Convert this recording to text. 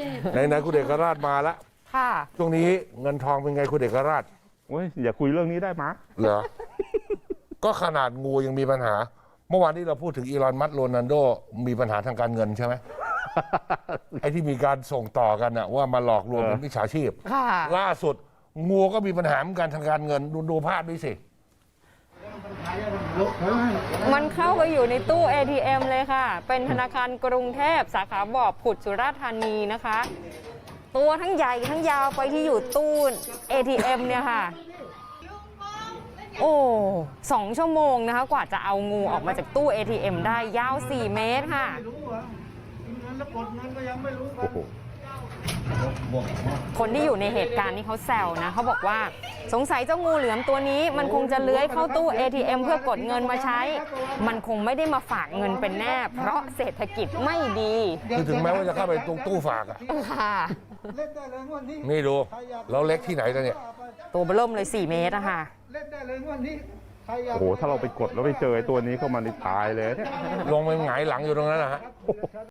ไหนคุณเอกราชมาแล้วค่ะช่วงนี้เงินทองเป็นไงคุณเอกราชโอ้ยอย่าคุยเรื่องนี้ได้มะเหรอ ก็ขนาดงูยังมีปัญหา เมื่อวานนี้เราพูดถึงอีลอนมัสก์โรนัลโดมีปัญหาทางการเงินใช่ไหม ไอ้ที่มีการส่งต่อกันน่ะว่ามาหลอกลวงเป็นมิจฉาชีพล่าสุดงูก็มีปัญหาเหมือนกันทางการเงินดูภาพนี้สิมันเข้าไปอยู่ในตู้ ATM เลยค่ะเป็นธนาคารกรุงเทพสาขาบ่อผุดสุราษฎร์ธานีนะคะตัวทั้งใหญ่ทั้งยาวไปที่อยู่ตู้ ATM เนี่ยค่ะโอ้2 ชั่วโมงนะคะกว่าจะเอางูออกมาจากตู้ ATM ได้ยาว4 เมตรค่ะคนที่อยู่ในเหตุการณ์นี้เขาแซวนะเขาบอกว่าสงสัยเจ้างูเหลือมตัวนี้มันคงจะเลื้อยเข้าตู้ ATM เพื่อกดเงินมาใช้มันคงไม่ได้มาฝากเงินเป็นแน่เพราะเศรษฐกิจไม่ดีคือถึงแม้ว่าจะเข้าไปตรงตู้ฝากอ่ะนี่ดูแล้วเล็กที่ไหนกันเนี่ยตัวเบิ่มเลย4 เมตรอะค่ะโอ้โหถ้าเราไปกดแล้วไปเจอตัวนี้เข้ามาในตายเลยเนี่ยลงไปหงายหลังอยู่ตรงนั้นนะฮะ